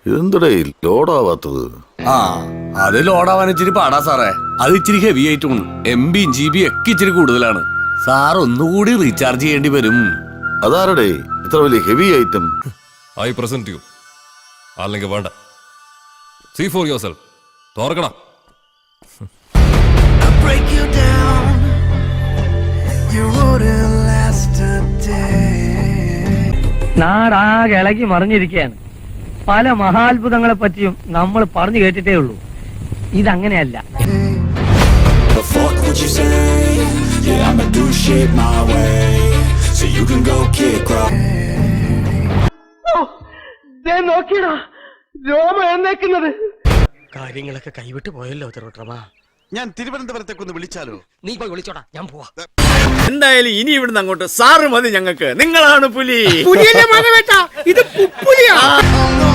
ഇതെന്തടേ ലോഡാവാത്തത്? അത് ലോഡാവാൻ ഇച്ചിരി പാടാ സാറേ. അത് ഇച്ചിരി ഹെവി ആയിട്ടുണ്ട്. MB GB ഒക്കെ ഇച്ചിരി കൂടുതലാണ്. സാർ ഒന്നുകൂടി റീചാർജ് ചെയ്യേണ്ടി വരും. അതാരടേ ഇത്ര വലിയ heavy item? I present you. അല്ലെങ്കിൽ വേണ്ട. See for yourself. തോർക്കണം. നാടാകെ ഇളകി മറിഞ്ഞിരിക്കുകയാണ്. പല മഹാത്ഭുതങ്ങളെ പറ്റിയും നമ്മൾ പറഞ്ഞു കേട്ടിട്ടേ ഉള്ളൂ. ഇതങ്ങനെയല്ല. നോക്കിയടാ രോമ എന്നേക്കുന്നത്. കാര്യങ്ങളൊക്കെ കൈവിട്ട് പോയല്ലോ ചെറുട്ടമാ. ഞാൻ തിരുവനന്തപുരത്തേക്കൊന്ന് വിളിച്ചാലോ? നീ പോയി വിളിച്ചോടാ, ഞാൻ പോവാ. എന്തായാലും ഇനി ഇവിടുന്ന് അങ്ങോട്ട് സാറ് മതി ഞങ്ങൾക്ക്. നിങ്ങളാണ് പുലി. ഇത് പുലിയാ.